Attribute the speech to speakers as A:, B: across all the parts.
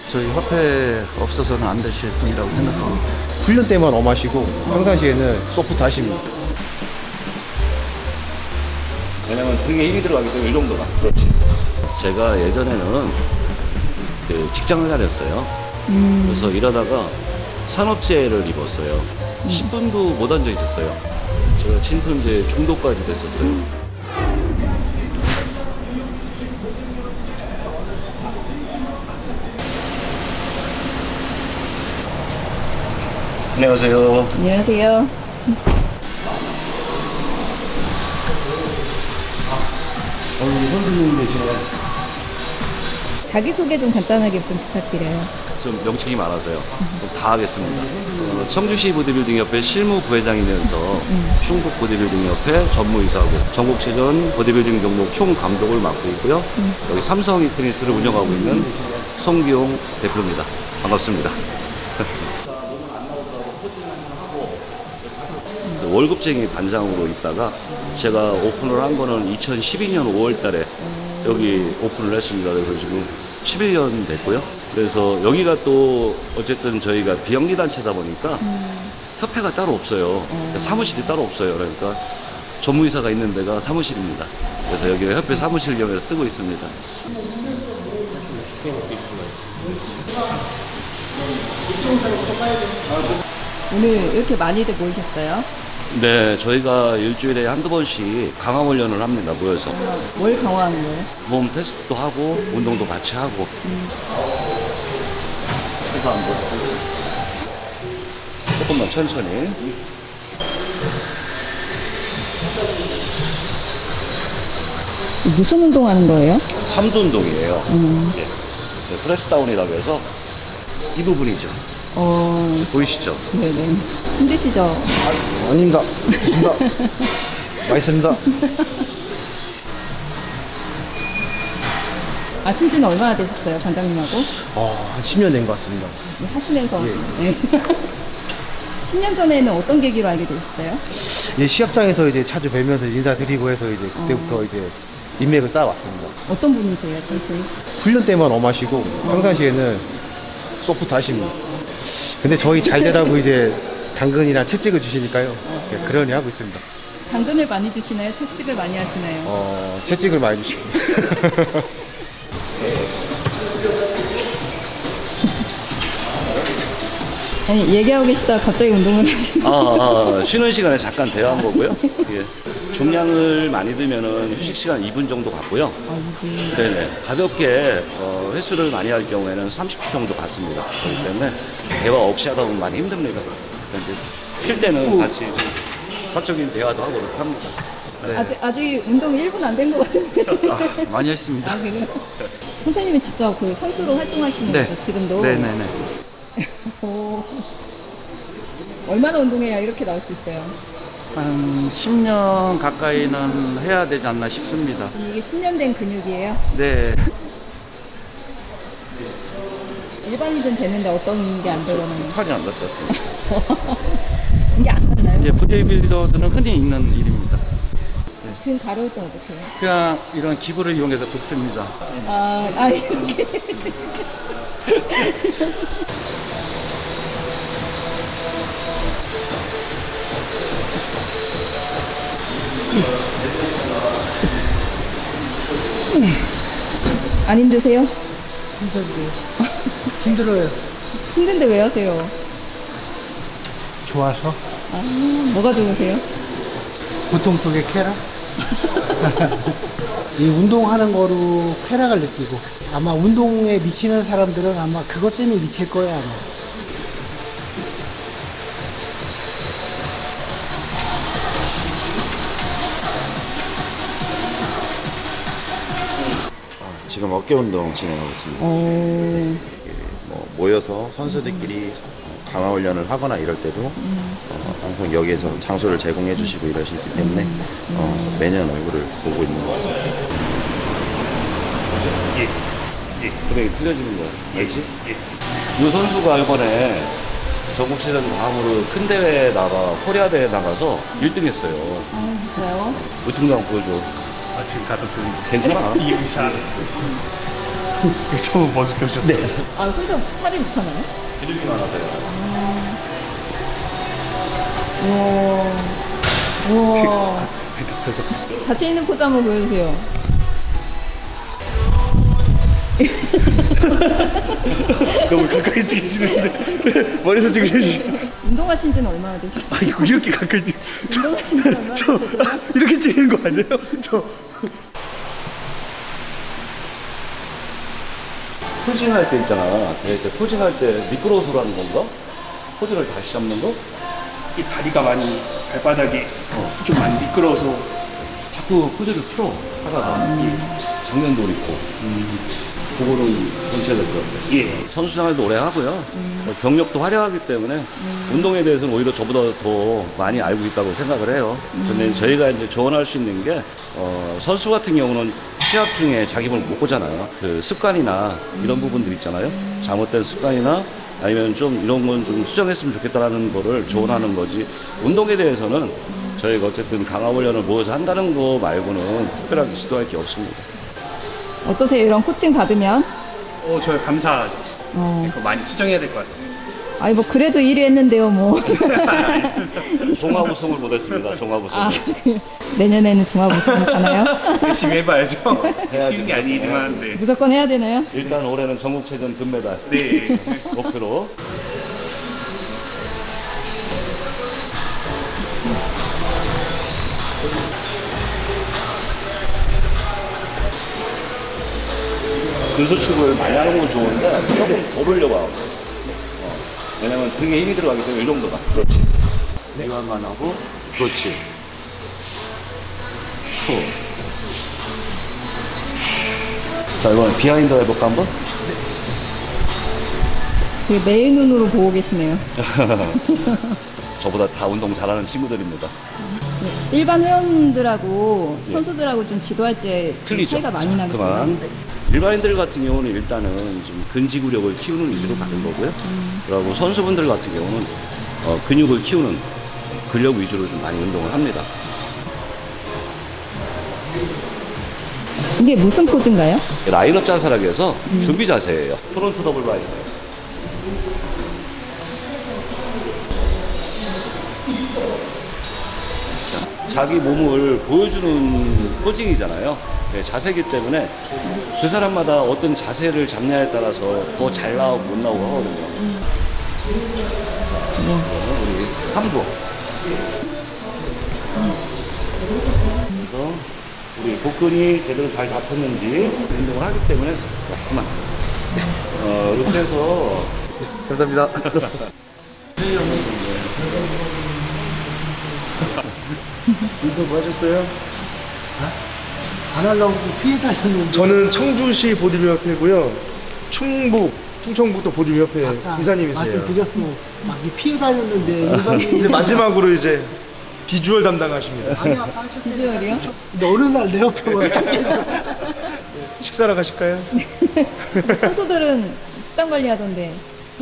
A: 저희 화폐 없어서는 안 되실 분이라고 생각합니다.
B: 훈련 때만 엄하시고 평상시에는 소프트 하십니다.
C: 왜냐면 등에 힘이 들어가기 때문에 이 정도가. 그렇지. 제가 예전에는 그 직장을 다녔어요. 그래서 일하다가 산업재해를 입었어요. 10분도 못 앉아 있었어요. 제가 침통제 중독까지 됐었어요. 안녕하세요.
D: 안녕하세요.
C: 선생님 되시나요?
D: 자기소개 좀 간단하게 좀 부탁드려요.
C: 좀 명칭이 많아서요. 좀 다 하겠습니다. 청주시 보디빌딩협회 실무 부회장이면서 충북 보디빌딩협회 전무이사고 전국체전 보디빌딩 종목 총감독을 맡고 있고요. 여기 삼성 히트니스를 운영하고 있는 송기용 대표입니다. 반갑습니다. 월급쟁이 반장으로 있다가 제가 오픈을 한 거는 2012년 5월 달에 여기 오픈을 했습니다. 그래서 지금 11년 됐고요. 그래서 여기가 또 어쨌든 저희가 비영리 단체다 보니까 협회가 따로 없어요. 사무실이 따로 없어요. 그러니까 전무이사가 있는 데가 사무실입니다. 그래서 여기 협회 사무실 겸해서 쓰고 있습니다.
D: 오늘 이렇게 많이들 모이셨어요?
C: 네, 저희가 일주일에 한두 번씩 강화 훈련을 합니다. 모여서.
D: 뭘 강화하는 거예요?
C: 몸 테스트도 하고 운동도 같이 하고. 해서 한번 조금만 천천히.
D: 무슨 운동하는 거예요?
C: 삼두 운동이에요. 예. 프레스 다운이라고 해서 이 부분이죠. 보이시죠?
D: 네네. 힘드시죠?
B: 아닙니다. 좋습니다. 맛있습니다.
D: 아신 지는 얼마나 되셨어요, 반장님하고?
B: 한 10년 된 것 같습니다.
D: 하시면서. 네. 10년 전에는 어떤 계기로 알게 되셨어요?
B: 예, 시합장에서 이제 자주 뵈면서 인사드리고 해서 이제 그때부터 이제 인맥을 쌓아왔습니다.
D: 어떤 분이세요, 선생님?
B: 훈련 때만 엄하시고 평상시에는 소프트 하십니다. 근데 저희 잘 되라고 이제 당근이나 채찍을 주시니까요. 예, 그러니 하고 있습니다.
D: 당근을 많이 주시나요? 채찍을 많이 하시나요?
B: 채찍을 많이 주시고.
D: 아니, 얘기하고 계시다가 갑자기 운동을 하시는
C: 쉬는 시간에 잠깐 대화한 거고요. 예. 중량을 많이 들면은 휴식 시간 2분 정도 갖고요. 네네. 가볍게 횟수를 많이 할 경우에는 30초 정도 갖습니다. 그렇기 때문에 대화 없이 하다 보면 많이 힘듭니다. 그런데 쉴 때는 같이 좀 사적인 대화도 하고 그렇게 합니다. 네.
D: 아직 운동 1분 안 된 것 같은데.
A: 많이 했습니다.
D: 그래요? 선생님이 직접 그 선수로 활동하시는
A: 네.
D: 거죠, 지금도?
A: 네네네.
D: 오. 얼마나 운동해야 이렇게 나올 수 있어요?
A: 한 10년 가까이는 해야 되지 않나 싶습니다.
D: 그럼 이게 10년 된 근육이에요?
A: 네.
D: 일반인은 되는데 어떤 게 안 들어오는
C: 팔이 안 닿았습니다.
D: 이게 안 맞나요?
A: 이제 보디빌더들은 흔히 있는 일입니다.
D: 지금 가려울 땐 어떻게 해요?
A: 그냥 이런 기구를 이용해서 붓습니다.
D: 이렇게. 안 힘드세요?
E: 힘들어요.
D: 힘든데 왜 하세요?
E: 좋아서
D: 뭐가 좋으세요?
E: 보통 쪽에 쾌락? 이 운동하는 거로 쾌락을 느끼고 아마 운동에 미치는 사람들은 아마 그것 때문에 미칠 거예요 아마.
F: 지금 어깨 운동 진행하고 있습니다. 뭐 모여서 선수들끼리 강화 훈련을 하거나 이럴 때도 항상 여기에서 장소를 제공해 주시고 이러시기 때문에 매년 얼굴을 보고 있는 것 같습니다.
C: 금액이 틀려지는 거야. 알지? 이 선수가 이번에 전국체전 다음으로 큰 대회 나가 코리아 대회 나가서 1등 했어요.
D: 진짜요?
C: 우승도 한번 보여줘.
G: 지금 다들 그
C: 괜찮아.
G: 이의사
B: 처음 버스교셨죠? 네.
D: 아, 혼자 팔이 못하나요?
C: 기름이 많아서요.
D: 우와. 우와. 자신 있는 포즈 한번 보여주세요.
B: 너무 가까이 찍으시는데 머리에서 찍으시지.
D: 운동하신 지는 얼마나 되셨어요?
B: 아 이거 이렇게 가까이 찍.
D: 운동하신 지는 얼마나
B: 저
D: 되셨어요?
B: 이렇게 찍는 거 아니에요? 저
C: 포징할 때 있잖아. 대회 때 포징할 때 미끄러워서 하는 건가? 포즈를 다시 잡는 거?
B: 이 다리가 많이 발바닥이 좀 많이 미끄러워서
C: 자꾸 포즈를 풀어 하다가 정면도 있고 그거는 전체될 것 같아요.
B: 예.
C: 선수 생활도 오래 하고요. 경력도 화려하기 때문에 운동에 대해서는 오히려 저보다 더 많이 알고 있다고 생각을 해요. 근데 저희가 이제 조언할 수 있는 게 선수 같은 경우는 시합 중에 자기 몸을 못 보잖아요. 그 습관이나 이런 부분들 있잖아요. 잘못된 습관이나 아니면 좀 이런 건 좀 수정했으면 좋겠다라는 거를 조언하는 거지. 운동에 대해서는 저희가 어쨌든 강화 훈련을 모여서 한다는 거 말고는 특별하게 지도할 게 없습니다.
D: 어떠세요? 이런 코칭 받으면?
B: 저 감사하죠.
D: 어.
B: 이거 많이 수정해야 될 것 같습니다.
D: 아니, 뭐, 그래도 1위 했는데요, 뭐.
C: 종합 우승을 못했습니다. 종합 우승.
D: 아, 내년에는 종합 우승 하나요?
B: 열심히 해봐야죠. 쉬운 게 아니지만 네.
D: 무조건 해야 되나요?
C: 일단 올해는 전국체전 금메달
B: 네.
C: 목표로. 근수축을 많이 하는 건 좋은데 조금 더 올려봐. 왜냐면 등에 힘이 들어가기 때문에 이 정도가. 그렇지. 이완만 하고 그렇지. 자, 이번엔 비하인드 해볼까 한번?
D: 되게 매일 눈으로 보고 계시네요.
C: 저보다 다 운동 잘하는 친구들입니다.
D: 일반 회원들하고
C: 예.
D: 선수들하고 좀 지도할 때 좀
C: 틀리죠.
D: 차이가 많이 나겠어요.
C: 그만. 일반인들 같은 경우는 일단은 좀 근지구력을 키우는 위주로 가는 거고요. 그리고 선수분들 같은 경우는 근육을 키우는 근력 위주로 좀 많이 운동을 합니다.
D: 이게 무슨 포즈인가요?
C: 라인업 자세라고 준비 자세예요. 프론트 더블 바이스. 자기 몸을 보여주는 포징이잖아요. 네, 자세이기 때문에 그 사람마다 어떤 자세를 잡냐에 따라서 더 잘 나오고 못 나오고 하거든요. 우리 3부. 그래서 우리 복근이 제대로 잘 잡혔는지 운동을 하기 때문에 그만. 이렇게 해서
B: 감사합니다.
E: 운동 하셨어요? 안 하려고 피해 다녔는데.
G: 저는 청주시 보디빌협회고요. 충청북도 보디빌협회
E: 아까
G: 이사님이세요.
E: 말씀드렸어. 막 피해 다녔는데 일반인.
G: 이제 마지막으로 이제 비주얼 담당하십니다.
E: 아니 아까 하셨대.
D: 비주얼이요?
E: 근데 어느 날 내 옆에 와 딱 계셔.
G: 식사하러 가실까요?
D: 선수들은 식단 관리하던데.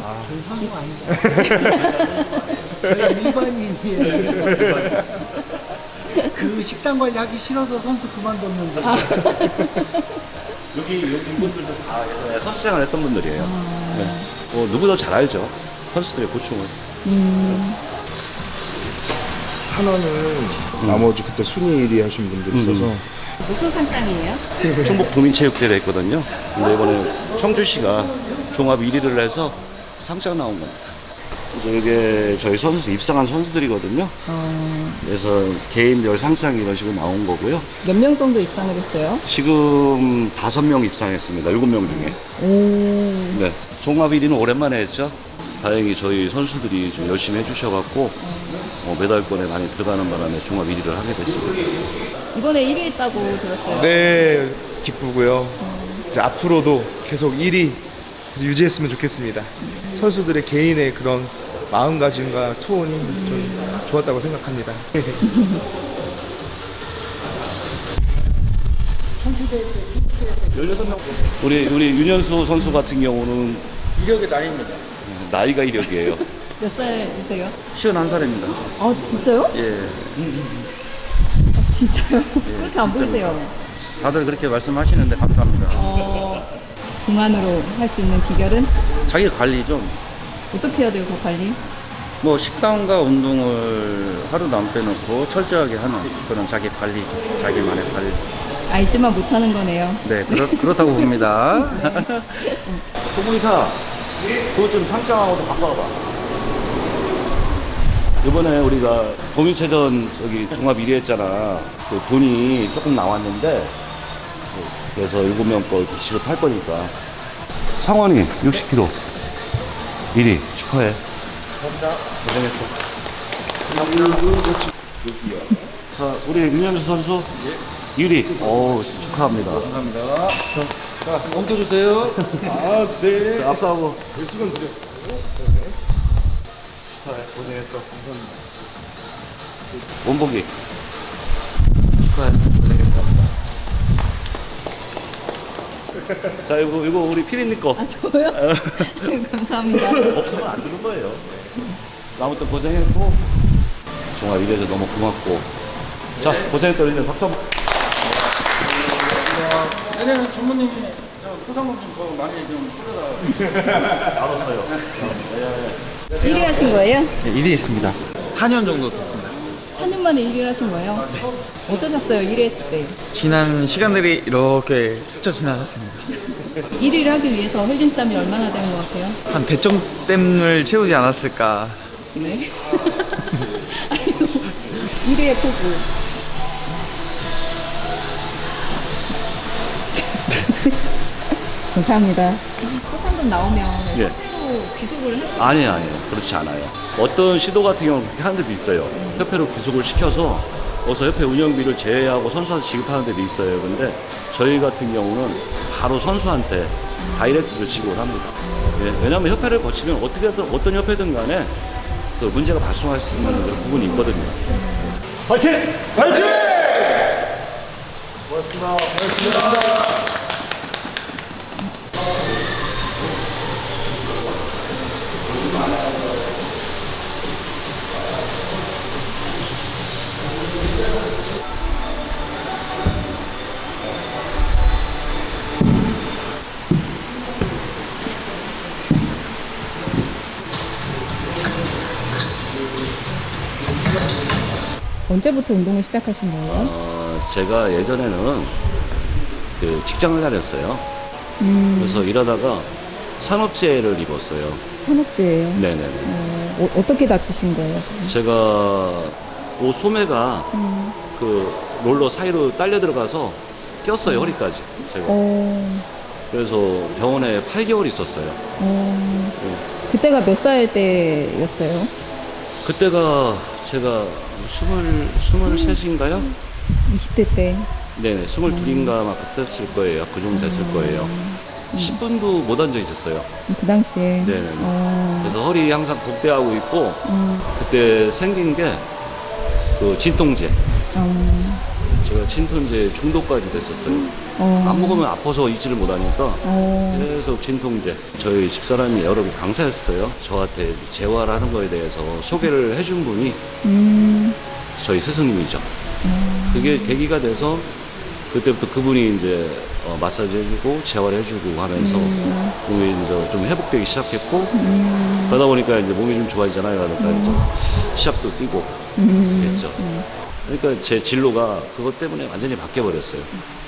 E: 저희 사는 거 아니다. 저희 일반인이에요. 그 식단 관리 하기 싫어서 선수 그만뒀는데.
C: 여기 분들도 다 예전에 선수 생활 했던 분들이에요. 네. 누구도 잘 알죠. 선수들의 고충을.
G: 하나는 나머지 그때 순위 1위 하신 분들이 있어서
D: 무슨 상장이에요?
C: 충북 도민체육대회를 했거든요. 근데 이번에 청주시가 종합 1위를 해서 상장 나온 겁니다. 그래서 이게 저희 선수 입상한 선수들이거든요. 그래서 개인별 상장이 이런 식으로 나온 거고요.
D: 몇 명 정도 입상을 했어요?
C: 지금 5명 입상했습니다. 7명 중에. 네. 종합 1위는 오랜만에 했죠. 다행히 저희 선수들이 좀 열심히 해주셔갖고 메달권에 많이 들어가는 바람에 종합 1위를 하게 됐습니다.
D: 이번에 1위 했다고 들었어요.
G: 네 기쁘고요. 이제 앞으로도 계속 1위 유지했으면 좋겠습니다. 선수들의 개인의 그런 마음가짐과 투혼이 좀 좋았다고 생각합니다.
C: 우리 윤현수 선수 같은 경우는
A: 이력의 나이입니다.
C: 나이가 이력이에요.
D: 몇 살이세요?
A: 51살입니다.
D: 아, 진짜요?
A: 예.
D: 진짜요? 그렇게 안 보이세요.
A: 다들 그렇게 말씀하시는데 감사합니다.
D: 동안으로 할 수 있는 비결은
A: 자기 관리 좀.
D: 어떻게 해야 돼요, 그 관리?
A: 뭐 식단과 운동을 하루도 안 빼놓고 철저하게 하는 그런 자기 관리, 자기만의 관리.
D: 알지만 못하는 거네요.
A: 네, 그렇다고 봅니다.
C: 소분이사, 그것 좀 상장하고도 바꿔봐. 이번에 우리가 도민체전 저기 종합 1위 했잖아. 그 돈이 조금 나왔는데, 그래서 7명 거 지급할 거니까. 상원이 60kg 1위 축하해. 고생했어. 자, 우리 윤현수 선수 1위. 오, 축하합니다.
A: 감사합니다. 자, 옮겨주세요.
C: 아, 네. 자, 앞서하고.
G: 수건 드려.
C: 축하해. 고생했어. 감사합니다. 원복이. 축하해. 고생했어. 자, 이거 우리 피디님 거.
D: 아, 저요? 감사합니다.
C: 없으면 안 되는 거예요. 아무튼 고생했고, 종합 이래서 너무 고맙고. 자, 고생했다. 우리 박수 한번.
A: 내년에 전무님이 포상금 좀 더 많이 좀 뿌려라.
C: 알았어요.
D: 1위 하신 거예요?
H: 네, 1위 했습니다. 4년 정도 됐습니다.
D: 4년 만에 1위를 하신 거예요? 어떠셨어요, 1위 했을 때?
H: 지난 시간들이 이렇게 스쳐 지나갔습니다.
D: 1위를 하기 위해서 흘린 땀이 얼마나 되는 것 같아요?
H: 한 100점댐을 채우지 않았을까.
D: 네. 1위의 포부. 감사합니다. 포상금 나오면
C: 예.
D: 협회로 귀속을 하시나요?
C: 아니에요. 그렇지 않아요. 어떤 시도 같은 경우는 그렇게 하는 데도 있어요. 협회로 귀속을 시켜서 어서 협회 운영비를 제외하고 선수한테 지급하는 데도 있어요. 근데 저희 같은 경우는 바로 선수한테 다이렉트로 지급을 합니다. 예, 왜냐하면 협회를 거치면 어떻게든 어떤 협회든 간에 그 문제가 발생할 수 있는 그런 부분이 있거든요. 화이팅! 화이팅!
D: 언제부터 운동을 시작하신 거예요?
C: 제가 예전에는 그 직장을 다녔어요. 그래서 일하다가 산업재해를 입었어요.
D: 산업재예요?
C: 네네네.
D: 어떻게 다치신 거예요?
C: 제가 옷 소매가 그 롤러 사이로 딸려 들어가서 꼈어요, 허리까지. 제가. 그래서 병원에 8개월 있었어요.
D: 그때가 몇 살 때였어요?
C: 그때가 제가 23인가요?
D: 20대 때.
C: 네네, 22인가 막 됐을 거예요. 그 정도 됐을 거예요. 10분도 못 앉아 있었어요.
D: 그 당시에.
C: 네네. 그래서 허리 항상 복대하고 있고, 그때 생긴 게 그 진통제. 제가 진통제 중독까지 됐었어요. 안 먹으면 아파서 잊지를 못하니까 계속 진통제. 저희 집사람이 여러 강사였어요. 저한테 재활하는 거에 대해서 소개를 해준 분이 저희 스승님이죠. 그게 계기가 돼서 그때부터 그분이 이제 마사지 해주고 재활해주고 하면서 몸이 이제 좀 회복되기 시작했고 그러다 보니까 이제 몸이 좀 좋아지잖아요. 그러니까 이제 시합도 뛰고 됐죠. 그러니까 제 진로가 그것 때문에 완전히 바뀌어버렸어요.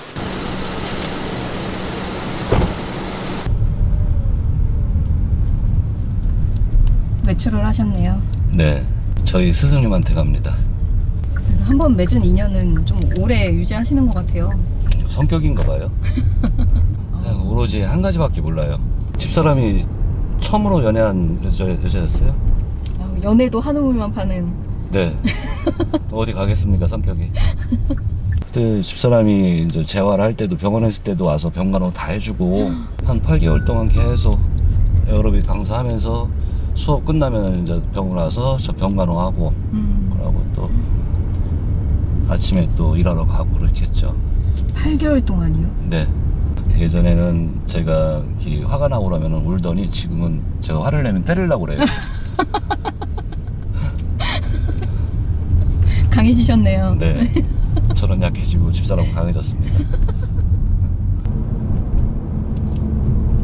D: 외출을 하셨네요.
C: 네, 저희 스승님한테 갑니다.
D: 그래서 한번 맺은 인연은 좀 오래 유지하시는 것 같아요.
C: 성격인가 봐요. 그냥 오로지 한 가지밖에 몰라요. 집사람이 처음으로 연애한 여자였어요?
D: 연애도 한우물만 파는.
C: 네. 어디 가겠습니까, 성격이. 그때 집사람이 이제 재활할 때도 병원에 있을 때도 와서 병간호 다 해주고 한 8개월 동안 계속 에어로빅 강사하면서 수업 끝나면 이제 병원 와서 저 병간호하고 그러고 또 아침에 또 일하러 가고 그렇게 했죠.
D: 8개월 동안이요?
C: 네. 예전에는 제가 이렇게 화가 나고 그러면 울더니 지금은 제가 화를 내면 때리려고 그래요.
D: 강해지셨네요.
C: 네. 저는 약해지고 집사람은 강해졌습니다.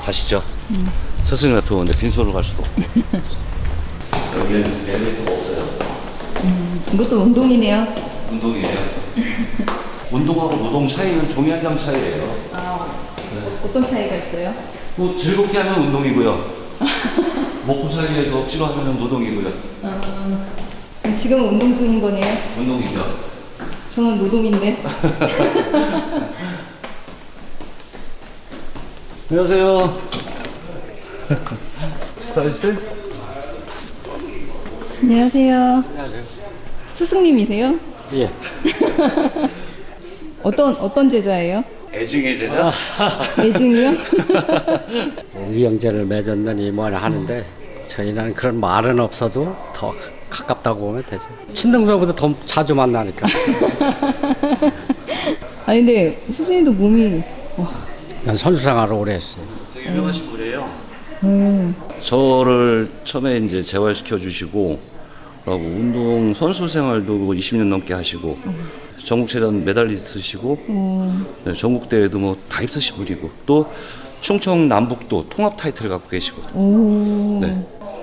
C: 가시죠. 스승이 같은 데 빈손으로 갈 수도 없고. 여기는 엘리베이터가 없어요.
D: 이것도 운동이네요.
C: 운동이에요. 운동하고 노동 차이는 종이 한 장 차이예요.
D: 어떤 차이가 있어요?
C: 뭐 즐겁게 하면 운동이고요. 먹고 살기 위해서 억지로 하면 노동이고요.
D: 그럼 지금은 운동 중인 거네요?
C: 운동이죠.
D: 저는 노동인데.
C: 안녕하세요. 식사했어요?
D: 안녕하세요.
I: 안녕하세요.
D: 스승님이세요?
I: 예.
D: 어떤 제자예요?
C: 애증의 제자?
D: 애증이요?
I: 의형제를 맺었느니 뭐냐 하는데 저희는 그런 말은 없어도 더 가깝다고 보면 되죠. 친동생보다 더 자주 만나니까.
D: 아니 근데 스승님도 몸이
I: 난 선수생활을 오래 했어요.
C: 되게 유명하신 분이에요. 저를 처음에 이제 재활시켜 주시고, 그리고 운동 선수 생활도 20년 넘게 하시고, 전국체전 메달리스트시고, 네, 전국 대회도 뭐 다 입으신 분이고, 또 충청 남북도 통합 타이틀을 갖고 계시고.
D: 오.
C: 네.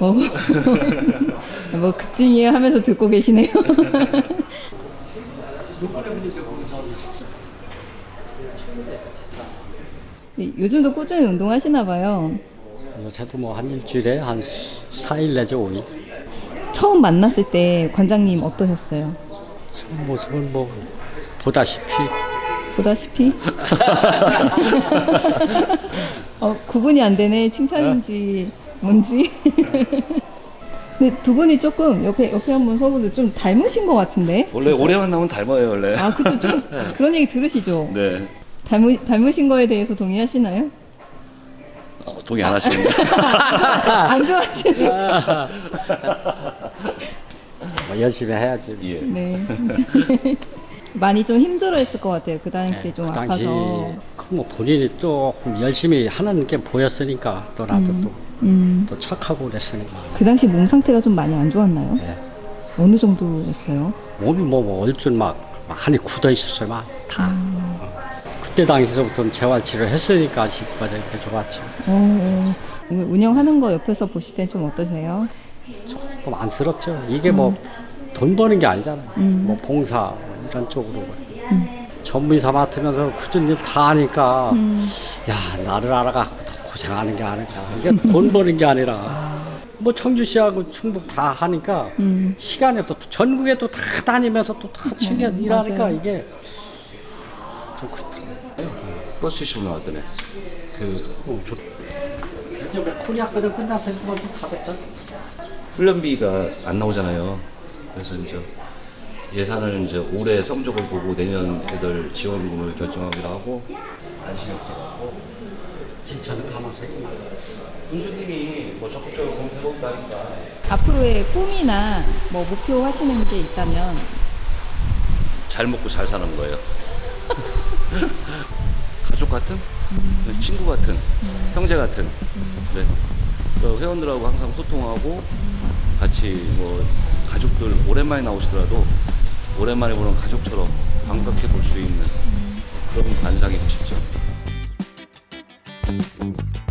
D: 뭐 그쯤이에요 하면서 듣고 계시네요. 네, 요즘도 꾸준히 운동하시나 봐요.
I: 요새도 뭐 한 일주일에 한 4일 내지 5일.
D: 처음 만났을 때 관장님 어떠셨어요?
I: 그 모습은 뭐 보다시피
D: 보다시피? 구분이 안 되네. 칭찬인지 뭔지. 근데 두 분이 조금 옆에 한번 서보도 좀 닮으신 것 같은데?
C: 원래 오래 만나면 닮아요, 원래.
D: 아, 그쵸. 좀 그런 얘기 들으시죠?
C: 네.
D: 닮으신 거에 대해서 동의하시나요?
C: 동의 안 하시는데.
D: 안 좋아하시는.
I: 뭐 열심히 해야지.
C: 예.
D: 네. 많이 좀 힘들어했을 것 같아요. 그 당시에 좀
I: 그 당시
D: 아파서.
I: 뭐 본인이 조금 열심히 하는 게 보였으니까 또 나도 또 착하고 그랬으니까.
D: 그 당시 몸 상태가 좀 많이 안 좋았나요?
I: 네.
D: 어느 정도였어요?
I: 몸이 뭐 얼줄 막 많이 굳어 있었어요, 막 다. 그때 당시서부터 재활치료 했으니까 지금까지 이렇게 좋았죠.
D: 운영하는 거 옆에서 보실 땐 좀 어떠세요?
I: 조금 안쓰럽죠. 이게 뭐 돈 버는 게 아니잖아요. 뭐 봉사 이런 쪽으로. 전문의사 맡으면서 굳은 일 다 하니까 야 나를 알아갖고 더 고생하는 게 아닐까. 이게 돈 버는 게 아니라 뭐 청주시하고 충북 다 하니까 시간에 또 전국에 또 다 다니면서 또 다 챙겨 일하니까
D: 맞아요.
I: 이게 좀 그렇더라고요.
C: 프로스테이션 나왔더네.
I: 이제 뭐 코리아 거는 끝났으니까 뭐 다 됐죠.
C: 훈련비가 안 나오잖아요. 그래서 이제 예산을 이제 올해 성적을 보고 내년 애들 지원금을 결정하기로 하고 안심이 없어가지고
I: 진짜는 가망색이
C: 군수님이 뭐 적극적으로 공태롭다니까.
D: 앞으로의 꿈이나 뭐 목표 하시는 게 있다면
C: 잘 먹고 잘 사는 거예요. 가족 같은, 친구 같은, 형제 같은. 네. 그 회원들하고 항상 소통하고 같이 뭐 가족들 오랜만에 나오시더라도 오랜만에 보는 가족처럼 반갑게 볼 수 있는 그런 관상이 되고 싶죠.